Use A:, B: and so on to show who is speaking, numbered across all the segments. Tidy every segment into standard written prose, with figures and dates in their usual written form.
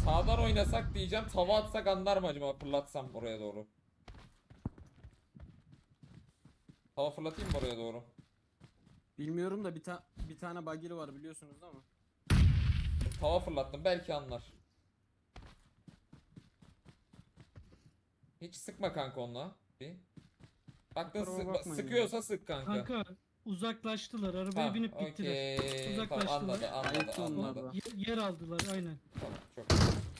A: Sağdan oynasak diyeceğim. Tava atsak anlar mı acaba? Fırlatsam oraya doğru. Tava fırlatayım mı oraya doğru?
B: Bilmiyorum da bir tane bagili var biliyorsunuz değil mi?
A: Tava fırlattım. Belki anlar. Hiç sıkma kanka onunla. Bir. Baktın
B: Kusura bakmayın
A: sıkıyorsa sık kanka.
C: Kanka uzaklaştılar. Arabaya
A: Tamam,
C: binip gittiler.
A: okey. Tamam,
C: Uzaklaştılar.
B: Ayıptı onlar da.
C: Yer aldılar aynen.
A: Tamam, çok.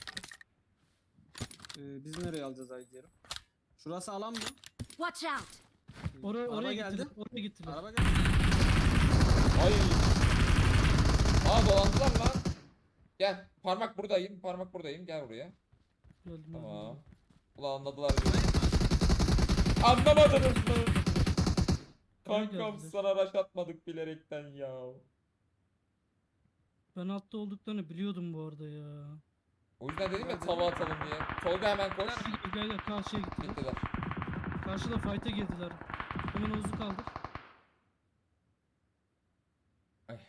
B: Biz nereye alacağız Aydiyerim? Şurası alan mı?
D: Watch out!
C: Oraya
B: Araba
C: gittiler.
B: geldi.
C: Oraya gittiler.
B: Araba geldi.
A: Ay. Aa, dolandılar lan. Gel. Parmak buradayım. Parmak buradayım. Gel buraya.
C: Geldim,
A: Tamam.
C: geldim.
A: Ulan anladılar beni. Anlamadınız mı?
C: Oraya
A: Kankam
C: geldiler.
A: sana rush atmadık bilerekten ya.
C: Ben altta olduklarını biliyordum bu arada ya.
A: O yüzden dedim ya tava atalım diye. Tolga hemen koş.
C: Gel karşıya gittiler.
A: Gittiler.
C: Karşıda fight'a girdiler. Hemen Oğuz'u kaldır.
A: Ay.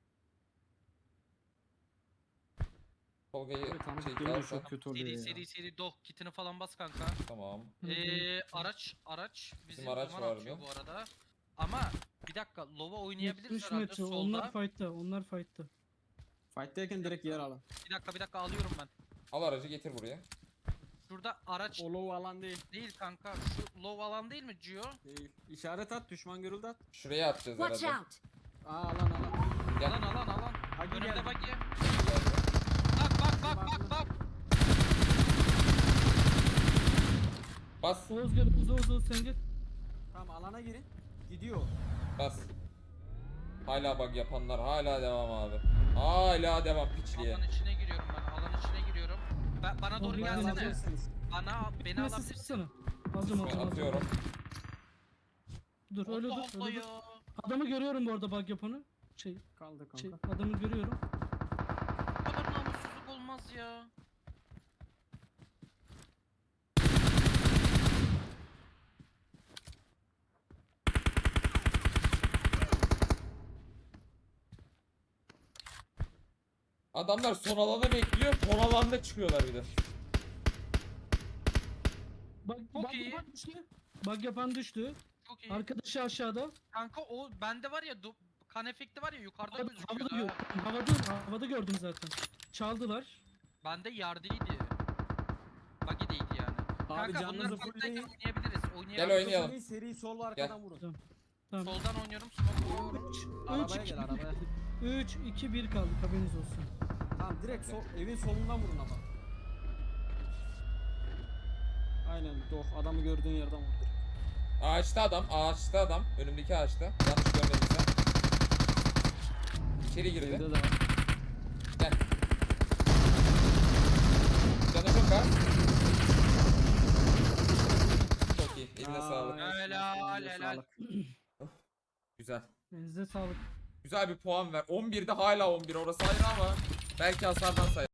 A: Tolga'yı
B: Evet, tanıdık
A: çek
B: geliyor,
A: alsan.
B: çok kötü oluyor
E: Seri
B: ya.
E: seri doh kitini falan bas kanka.
A: Tamam.
E: Araç bizi
A: araç
E: duman
A: var
E: atıyor
A: mı?
E: bu arada. Ama bir dakika lova oynayabiliriz
C: 70
E: herhalde
C: metre.
E: solda.
C: Onlar fight'ta. Onlar fight'ta.
B: Fight'teyken direkt yer alın.
E: Bir dakika alıyorum ben.
A: Al aracı getir buraya.
E: Şurada araç
B: O low alan değil.
E: değil kanka. Şu low alan değil mi Gio?
B: Değil. İşaret at, düşman görüldü at.
A: Şuraya atacağız
D: Watch
A: herhalde.
D: out!
B: Alan.
A: Gel.
E: Alan.
B: Hadi
E: Önümde
B: gel.
E: bak ya. Bak.
A: Bas.
C: Oğuz gel. Oğuz sen gel.
B: Tamam, alana girin. Gidiyor.
A: Bas. Hala bug yapanlar hala devam abi. Hala devam piçliğe.
E: Alan içine giriyorum ben. Alan içine giriyorum. Bana doğru
C: Oraya
E: gelsene.
B: Alabilirsiniz.
E: Beni
C: Nasıl
E: alabilirsin.
C: sıksana. Alacağım.
A: Atıyorum.
C: Dur öyle
E: Allah
C: dur.
E: Allah
C: Öyle
E: ya.
C: dur. Adamı görüyorum bu arada bug yapanı.
B: Kaldı kanka.
C: Adamı görüyorum.
E: Bu kadar namussuzluk olmaz ya.
A: Adamlar son alanı bekliyor. Son alanda çıkıyorlar bir de.
E: Çok iyi.
C: Yapan düştü. Bug yapan düştü.
E: Çok iyi.
C: Arkadaşı aşağıda.
E: Kanka o bende var ya kan efekti var ya yukarıda gözüküyor.
C: Havada gördüm zaten. Çaldılar.
E: Bende yardıydı. Buggy'deydi yani.
B: Abi
E: Kanka
B: canınızı
E: bunları
B: fullleyin.
E: oynayabiliriz.
A: Gel oynayalım.
B: Seri sol arkadan vurun.
C: Tamam.
E: Soldan oynuyorum. Smoke vuruyorum.
B: Arabaya gel, arabaya.
C: 3 2 1 kaldı. Haberiniz olsun.
B: Tamam, direkt evin solundan vurun ama. Aynen, adamı gördüğün yerden vur.
A: Ağaçta adam. Önümdeki ağaçta. Yanlış görmediysem. İçeri girdi.
B: Evde de var.
A: Gel. Canı çok az. Çok iyi. Eline sağlık.
E: Helal.
A: Güzel.
C: Elinize sağlık.
A: Güzel bir puan ver. 11'de hala 11. Orası ayrı ama belki hasardan sayar.